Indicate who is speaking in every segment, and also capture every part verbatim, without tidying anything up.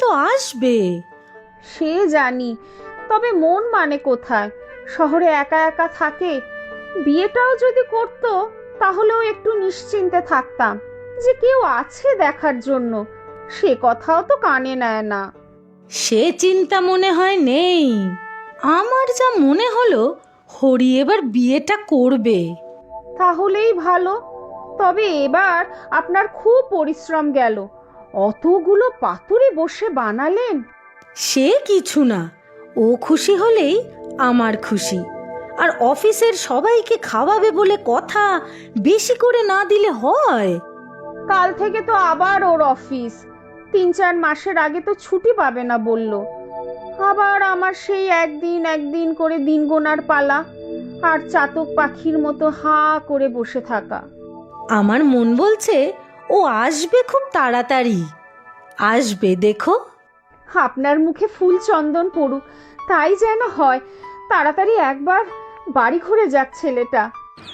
Speaker 1: তো আসবে।
Speaker 2: সে জানি, তবে মন মানে কোথায়? শহরে একা একা থাকে। বিয়েটাও যদি করতো তাহলেও একটু নিশ্চিন্তে থাকতাম যে কেউ আছে দেখার জন্য। সে কথাও তো কানে নেয় না।
Speaker 1: সে চিন্তা মনে হয় নেই। আমার যা মনে হলো হরি এবার বিয়েটা করবে।
Speaker 2: তাহলেই ভালো। তবে এবার আপনার খুব পরিশ্রম গেল। অতগুলো পাতুরি বসে বানালেন।
Speaker 1: সে কিছু না, ও খুশি হলেই আমার খুশি। আর অফিসের সবাইকে খাওয়াবে বলে কথা, বেশি করে না দিলে হয়?
Speaker 2: কাল থেকে তো আবার ওর অফিস। তিন চার মাসের আগে তো ছুটি পাবে না বলল। আবার আমার সেই একদিন একদিন করে দিন গোনার পালা, আর চাতক পাখির মতো হাঁ করে বসে থাকা।
Speaker 1: আমার মন বলছে ও আসবে খুব তাড়াতাড়ি। আসবে দেখো।
Speaker 2: আপনার মুখে ফুল চন্দন পড়ুক, তাই যেন হয়। তাড়াতাড়ি একবার বাড়ি ঘুরে যাক ছেলেটা।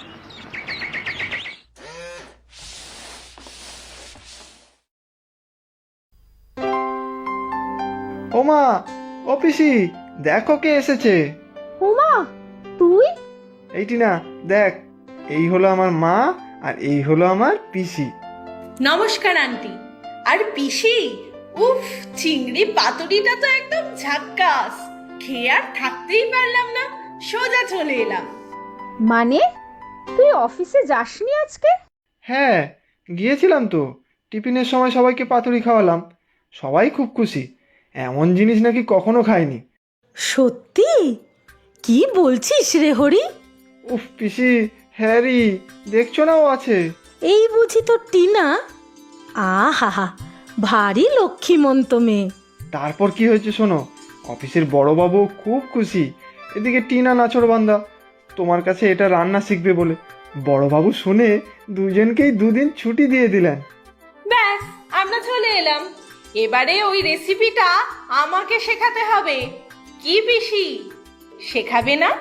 Speaker 3: ওমা, ও পিসি, দেখো কে এসেছে।
Speaker 2: উমা, তুই?
Speaker 3: এইটি না, দেখ, এই হলো আমার মা আর এই হলো আমার পিসি।
Speaker 4: নমস্কার আন্টি। আর পিসি, উফ, চিংড়ি পাতুরিটা তো একদম ঝাক্কাস। খেয়ে আর থাকতেই পারলাম না, সোজা চলে এলাম।
Speaker 2: মানে তুই অফিসে যাসনি আজকে?
Speaker 3: হ্যাঁ, গিয়েছিলাম তো। টিফিনের সময় সবাইকে পাতুরি খাওয়ালাম। সবাই খুব খুশি। এমন জিনিস নাকি কখনো খায়নি।
Speaker 1: সত্যি? কি বলছিস রে হরি?
Speaker 3: উফ পিসি, হ্যারি, দেখছো না ও আছে।
Speaker 1: এই বুঝি তো টিনা? আহা, ভারী লক্ষ্মীমন্ত মেয়ে।
Speaker 3: তারপর কি হয়েছে শোনো। অফিসের বড়বাবু খুব খুশি। এদিকে টিনা নাছোড়বান্দা, তোমার কাছে এটা রান্না শিখবে বলে। বড়বাবু শুনে দুজনকেই দুদিন ছুটি দিয়ে দিলেন।
Speaker 4: ব্যাস, আমরা চলে এলাম। এবারে ওই রেসিপিটা আমাকে শেখাতে হবে। কি পিসি, শেখাবে না?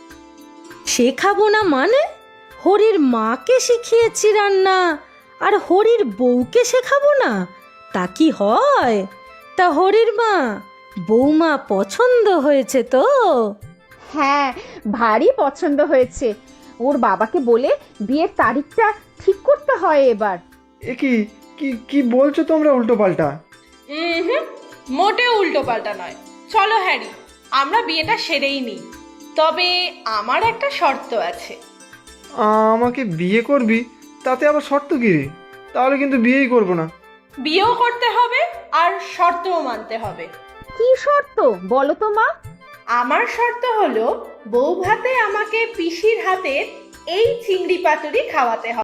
Speaker 1: শেখাবো না মানে? হরির মাকে শিখিয়েছি রান্না, আর হরির বউকে শেখাবো না? তা কি হয়? তা হরির মা, বৌমা পছন্দ হয়েছে তো?
Speaker 2: হ্যাঁ, ভারী পছন্দ হয়েছে। ওর বাবাকে বলে বিয়ের তারিখটা ঠিক করতে হয় এবার।
Speaker 3: এ কি কি কি বলছো তোমরা উল্টো পাল্টা?
Speaker 4: হুম, মোটেও উল্টো পাল্টা নয়। চলো হ্যারি, আমরা বিয়েটা সেরেই নিই। তবে আমার একটা শর্ত আছে।
Speaker 3: আমাকে বিয়ে করবি? তাতে আবার শর্ত কি রে? তাহলে কিন্তু বিয়েই করবো না।
Speaker 4: বিয়েও করতে হবে আর শর্তও মানতে হবে।
Speaker 2: কি শর্ত বলো তো মা?
Speaker 4: আমার শর্ত হলো, বউ ভাতে আমাকে পিসির হাতে এই চিংড়ি পাতুরি খাওয়াতে হবে।